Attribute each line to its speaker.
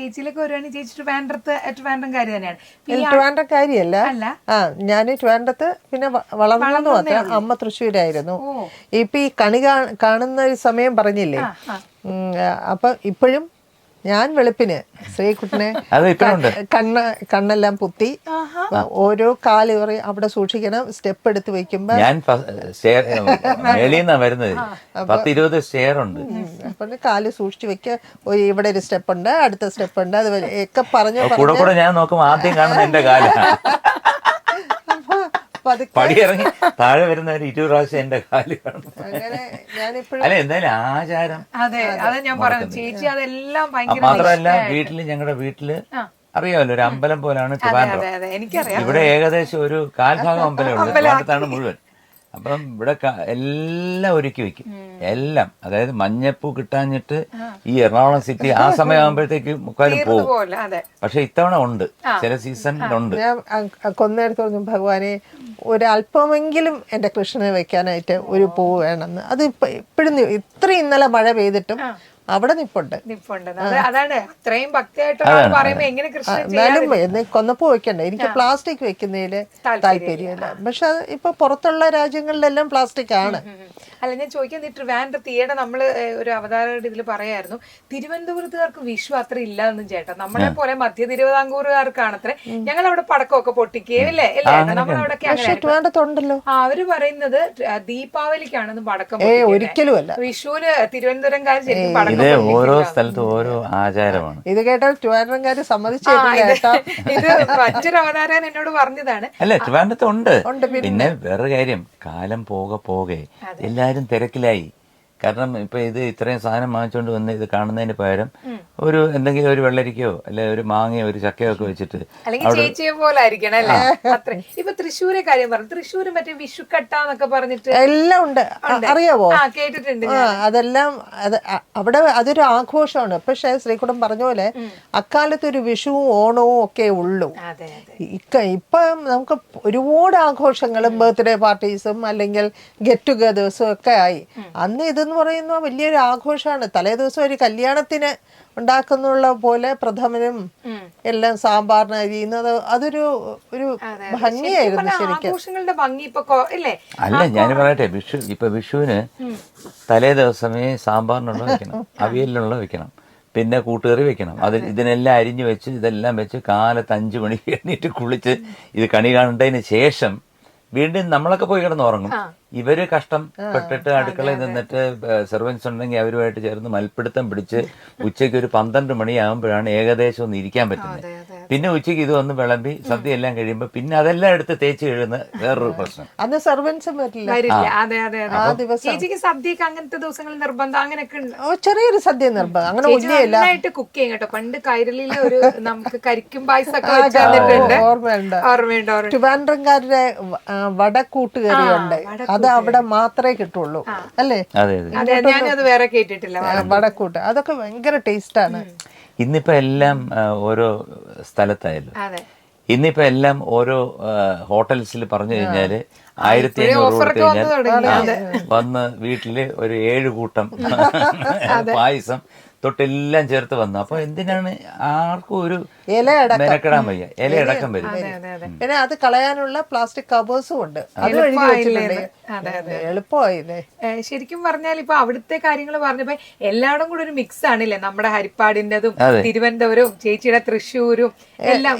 Speaker 1: ചേച്ചിയിലൊക്കെ വരുവാണെങ്കിൽ ചേച്ചി ട്രിവാൻഡ്രംകാരി തന്നെയാണ്.
Speaker 2: ട്രിവാൻഡ്രംകാരിയല്ല. ഞാൻ ട്രിവാൻഡ്രത്ത് പിന്നെ വളർന്നു മാത്രം. അമ്മ തൃശ്ശൂരായിരുന്നു. ഇപ്പൊ ഈ കണി കാണുന്ന ഒരു സമയം പറഞ്ഞില്ലേ, അപ്പൊ ഇപ്പോഴും ഞാൻ വെളുപ്പിന് ശ്രീകുട്ടനെ കണ്ണെല്ലാം പുത്തി ഓരോ കാലുകറി അവിടെ സൂക്ഷിക്കണം. സ്റ്റെപ്പ് എടുത്ത് വെക്കുമ്പോ
Speaker 3: ഞാൻ വരുന്നത് 10-20 സ്റ്റെയർ ഉണ്ട്.
Speaker 2: അപ്പൊ കാല് സൂക്ഷിച്ചു വെക്ക. ഇവിടെ ഒരു സ്റ്റെപ്പ് ഉണ്ട്, അടുത്ത സ്റ്റെപ്പ് ഉണ്ട്, അതുപോലെ ഒക്കെ പറഞ്ഞു
Speaker 3: കൂടെ ഞാൻ നോക്കുമ്പോ ആദ്യം കാണുന്ന എന്റെ കാല പടി ഇറങ്ങി താഴെ വരുന്നവർ 20 പ്രാവശ്യം എന്റെ കാല് കാണും. അല്ല എന്തായാലും ആചാരം. മാത്രമല്ല ഞങ്ങളുടെ വീട്ടില് അറിയാമല്ലോ, ഒരു അമ്പലം പോലാണ് ട്രിവാൻഡ്രം. ഇവിടെ ഏകദേശം ഒരു കാൽഭാഗം അമ്പലമുണ്ട്. ട്രിവാൻഡ്രത്താണ് മുഴുവൻ. അപ്പം ഇവിടെ എല്ലാം ഒരുക്കി വെക്കും, എല്ലാം. അതായത് മഞ്ഞപ്പൂ കിട്ടാഞ്ഞിട്ട് ഈ എറണാകുളം സിറ്റി ആ സമയമാകുമ്പോഴത്തേക്ക് മുക്കാലും പോകും. പക്ഷെ ഇത്തവണ ഉണ്ട്, ചില സീസണിലുണ്ട്.
Speaker 2: ഞാൻ കൊന്നേടത്ത് പറഞ്ഞു, ഭഗവാനെ ഒരല്പമെങ്കിലും എന്റെ കൃഷ്ണനെ വെക്കാനായിട്ട് ഒരു പൂവ് വേണമെന്ന്. അത് ഇപ്പോഴും ഇത്രയും ഇന്നലെ മഴ പെയ്തിട്ടും അവിടെ നിപ്പുണ്ട്.
Speaker 1: അതാണ് അത്രയും ഭക്തിയായിട്ട് പറയുമ്പോ എങ്ങനെ
Speaker 2: എന്നാലും കൊന്നപ്പൂ വെക്കണ്ടേ. എനിക്ക് പ്ലാസ്റ്റിക് വെക്കുന്നതില് താല്പര്യമില്ല. പക്ഷെ ഇപ്പൊ പുറത്തുള്ള രാജ്യങ്ങളിലെല്ലാം പ്ലാസ്റ്റിക് ആണ്.
Speaker 1: അല്ല, ഞാൻ ചോദിക്കാൻ, ട്രിവാൻഡ്രത്ത് ഈയിടെ നമ്മള് ഒരു അവതാരയുടെ ഇതിൽ പറയായിരുന്നു, തിരുവനന്തപുരത്തുകാർക്ക് വിഷു അത്ര ഇല്ലാന്നും ചേട്ടാ, നമ്മളെ പോലെ മധ്യ തിരുവിതാംകൂറുകാർക്കാണ് അത്ര. ഞങ്ങൾ അവിടെ പടക്കമൊക്കെ പൊട്ടിക്കുകയും അല്ലേ
Speaker 2: ട്രിവാൻഡ്രത്തുണ്ടല്ലോ.
Speaker 1: അവര് പറയുന്നത് ദീപാവലിക്കാണെന്ന് പടക്കം.
Speaker 2: ഒരിക്കലും അല്ല,
Speaker 1: വിഷുവിന് തിരുവനന്തപുരംകാർ ശരിക്കും പടക്കം.
Speaker 3: ഓരോ സ്ഥലത്തും ഓരോ ആചാരമാണ്.
Speaker 2: ഇത് കേട്ടാൽ ട്രിവാൻഡ്രംകാര് സമ്മതിച്ചേട്ടാ.
Speaker 1: ഇത് മറ്റൊരു അവതാരൻ എന്നോട് പറഞ്ഞതാണ്.
Speaker 3: അല്ല, ട്രിവാൻഡ്രത്ത് ഉണ്ട്. പിന്നെ വേറൊരു കാര്യം, കാലം പോകെ എല്ലാരും തിരക്കിലായി. കാരണം ഇപ്പൊ ഇത് ഇത്രയും സാധനം വാങ്ങിച്ചുകൊണ്ട് വന്ന് ഇത് കാണുന്നതിന് പകരം ഒരു എന്തെങ്കിലും ഒരു വെള്ളരിക്കയോ അല്ലെ ഒരു മാങ്ങയോ ഒരു ചക്കയോ ഒക്കെ വെച്ചിട്ട്
Speaker 1: ചേച്ചിയെ പോലെ ആയിരിക്കണം അല്ലേ. അത്ര ഇപ്പൊ തൃശ്ശൂരെ കാര്യം പറഞ്ഞു, തൃശ്ശൂര് മറ്റേ വിഷുക്കട്ടാന്നൊക്കെ പറഞ്ഞിട്ട്
Speaker 2: എല്ലാം ഉണ്ട്, അറിയാവോ?
Speaker 1: കേട്ടിട്ടുണ്ട്.
Speaker 2: അതെല്ലാം അവിടെ അതൊരു ആഘോഷമാണ്. പക്ഷെ ശ്രീകുട്ടൻ പറഞ്ഞ പോലെ അക്കാലത്ത് ഒരു വിഷുവും ഓണവും ഒക്കെ ഉള്ളൂ. ഇപ്പം നമുക്ക് ഒരുപാട് ആഘോഷങ്ങളും ബർത്ത്ഡേ പാർട്ടീസും അല്ലെങ്കിൽ ഗെറ്റ് ടുഗദേഴ്സും ഒക്കെ ആയി. അന്ന് ഇതെന്ന് പറയുന്ന വലിയൊരു ആഘോഷമാണ്. തലേ ദിവസം ഒരു കല്യാണത്തിന് ഉണ്ടാക്കുന്നുള്ള പോലെ പ്രഥമനും എല്ലാം സാമ്പാറിന് അരിയുന്നത് അതൊരു ഭംഗിയായിരുന്നു ശരിക്കും.
Speaker 3: അല്ല, ഞാൻ പറയട്ടെ, വിഷുവിന് തലേ ദിവസമേ സാമ്പാറിനുള്ള വെക്കണം, അവിയലിനുള്ള വെക്കണം, പിന്നെ കൂട്ടുകറി വെക്കണം. ഇതിനെല്ലാം അരിഞ്ഞു വെച്ച് ഇതെല്ലാം വെച്ച് കാലത്ത് 5 മണിക്ക് എണീറ്റ് കുളിച്ച് ഇത് കണി കാണേണ്ടതിന് ശേഷം വീണ്ടും നമ്മളൊക്കെ പോയി കിടന്നുറങ്ങും. ഇവര് കഷ്ടപ്പെട്ടിട്ട് അടുക്കളയിൽ നിന്നിട്ട് സെർവൻസ് ഉണ്ടെങ്കിൽ അവരുമായിട്ട് ചേർന്ന് മൽപ്പിടുത്തം പിടിച്ച് ഉച്ചയ്ക്ക് ഒരു 12 മണിയാകുമ്പോഴാണ് ഏകദേശം ഒന്ന് ഇരിക്കാൻ പറ്റുന്നത്. പിന്നെ ഉച്ചയ്ക്ക് ഇത് ഒന്ന് വിളമ്പി സദ്യ എല്ലാം കഴിയുമ്പോ പിന്നെ അതെല്ലാം എടുത്ത് തേച്ച് കഴിയുന്ന വേറൊരു പ്രശ്നം.
Speaker 2: അന്ന് സെർവൻസും വരില്ല.
Speaker 1: അങ്ങനത്തെ ദിവസങ്ങളിൽ നിർബന്ധം അങ്ങനെയൊക്കെ
Speaker 2: ചെറിയൊരു സദ്യ നിർബന്ധം അങ്ങനെ
Speaker 1: കുക്ക് ചെയ്യും കേട്ടോ. പണ്ട് കൈരളിയിലെ ഒരു നമുക്ക് കരിക്കും പായസമൊക്കെ
Speaker 2: ഓർമ്മയുണ്ട്. ട്രിവാൻഡ്രംകാരുടെ വടക്കൂട്ടുകറിയുണ്ട്, അത് അവിടെ മാത്രമേ കിട്ടുള്ളൂ അല്ലേ?
Speaker 1: ഞാനത് വേറെ കേട്ടിട്ടില്ല.
Speaker 2: വടക്കൂട്ട് അതൊക്കെ ഭയങ്കര ടേസ്റ്റ് ആണ്.
Speaker 3: ഇന്നിപ്പോ എല്ലാം ഓരോ സ്ഥലത്തായല്ലോ. ഇന്നിപ്പോ എല്ലാം ഓരോ ഹോട്ടൽസിൽ പറഞ്ഞു കഴിഞ്ഞാല് 1500 കൊടുത്തു കഴിഞ്ഞാൽ വന്ന് വീട്ടില് ഒരു 7 കൂട്ടം പായസം തൊട്ടെല്ലാം ചേർത്ത് വന്നു. അപ്പൊ എന്തിനാണ് ആർക്കും ഒരു മെനക്കെടാൻ വയ്യ, ഇലയടക്കം വരും.
Speaker 2: പിന്നെ അത് കളയാനുള്ള പ്ലാസ്റ്റിക് കവേഴ്സും ഉണ്ട്, അത് എളുപ്പമായില്ലേ.
Speaker 1: ശരിക്കും പറഞ്ഞാൽ ഇപ്പൊ അവിടുത്തെ കാര്യങ്ങൾ പറഞ്ഞപ്പോ എല്ലായിടും കൂടെ ഒരു മിക്സ് ആണില്ലേ, നമ്മുടെ ഹരിപ്പാടിന്റെതും തിരുവനന്തപുരവും ചേച്ചിയുടെ തൃശ്ശൂരും എല്ലാം